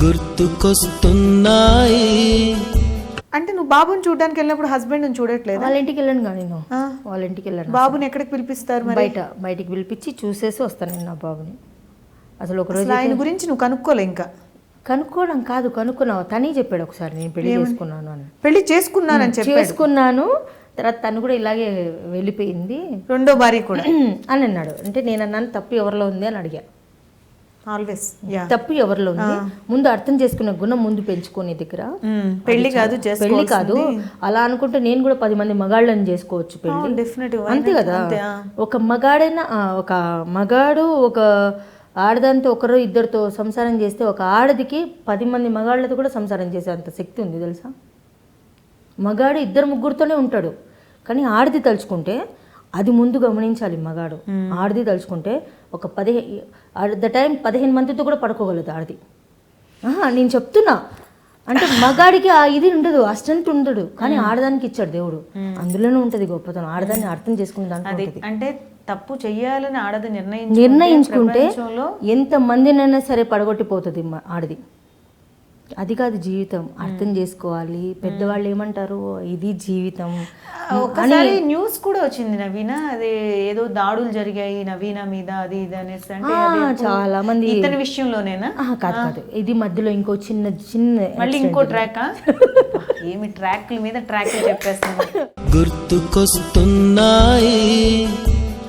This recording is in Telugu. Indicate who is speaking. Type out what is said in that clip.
Speaker 1: గుర్తుకొస్తున్నాయి.
Speaker 2: అంటే నువ్వు బాబుని చూడడానికి వెళ్ళినప్పుడు హస్బెండ్ చూడట్లేదు?
Speaker 3: వాళ్ళ ఇంటికి వెళ్ళాను కానీ నేను వాళ్ళ ఇంటికి వెళ్ళాను.
Speaker 2: బాబుని ఎక్కడికి పిలిపిస్తారు మరి?
Speaker 3: బయటికి పిలిపించి చూసేసి వస్తాను నేను నా బాబుని. అసలు ఒకరోజు
Speaker 2: ఆయన గురించి నువ్వు కనుక్కోలే? ఇంకా
Speaker 3: కనుక్కోవడం కాదు, కనుక్కున్నావు. తనే చెప్పాడు ఒకసారి నేను పెళ్లి చేసుకున్నాను అని.
Speaker 2: పెళ్లి చేసుకున్నానని చెప్పి
Speaker 3: చేసుకున్నాను. తర్వాత తను కూడా ఇలాగే వెళ్ళిపోయింది,
Speaker 2: రెండో భార్య కూడా
Speaker 3: అని అన్నాడు. అంటే నేను అన్నాను తప్పు ఎవరిలో ఉంది అని అడిగా.
Speaker 2: ఆల్వేస్
Speaker 3: తప్పు ఎవరిలో ఉంది, ముందు అర్థం చేసుకునే గుణం ముందు పెంచుకునే దగ్గర.
Speaker 2: పెళ్లి కాదు
Speaker 3: అలా అనుకుంటే నేను కూడా 10 మంది మగాళ్ళని చేసుకోవచ్చు పెళ్లి, అంతే కదా. ఒక మగాడైనా ఒక మగాడు ఒక ఆడదాంతో ఒకరు ఇద్దరితో సంసారం చేస్తే ఒక ఆడదికి 10 మంది మగాళ్ళతో కూడా సంసారం చేసే అంత శక్తి ఉంది తెలుసా. మగాడు 2-3తోనే ఉంటాడు, కానీ ఆడది తలుచుకుంటే అది ముందు గమనించాలి. మగాడు ఆడది తలుచుకుంటే ఒక 15 మందితో కూడా పడుకోగలదు ఆడది. నేను చెప్తున్నా, అంటే మగాడికి ఆ ఇది ఉండదు, ఆ స్ట్రెంత్ ఉండదు, కానీ ఆడదానికి ఇచ్చాడు దేవుడు. అందులోనే ఉంటుంది గొప్పతనం. ఆడదాన్ని అర్థం చేసుకునే దాంట్లో.
Speaker 2: అంటే తప్పు చెయ్యాలని ఆడది
Speaker 3: నిర్ణయించుకుంటే ఎంత మందినైనా సరే పడగొట్టిపోతుంది ఆడది. అది కాదు జీవితం, అర్థం చేసుకోవాలి. పెద్దవాళ్ళు ఏమంటారు, ఇది జీవితం.
Speaker 2: ఒకసారి న్యూస్ కూడా వచ్చింది నవీన, అదే ఏదో దాడులు జరిగాయి నవీన మీద అది ఇది అనేసి. అంటే
Speaker 3: చాలా మంది
Speaker 2: ఇతని విషయంలోనేనా?
Speaker 3: కాదు, ఇది మధ్యలో ఇంకో చిన్న
Speaker 2: మళ్ళీ ఇంకో ట్రాక్. ఏమి ట్రాక్ల మీద ట్రాక్ చెప్పేస్తాను.
Speaker 1: గుర్తుకొస్తున్నాయి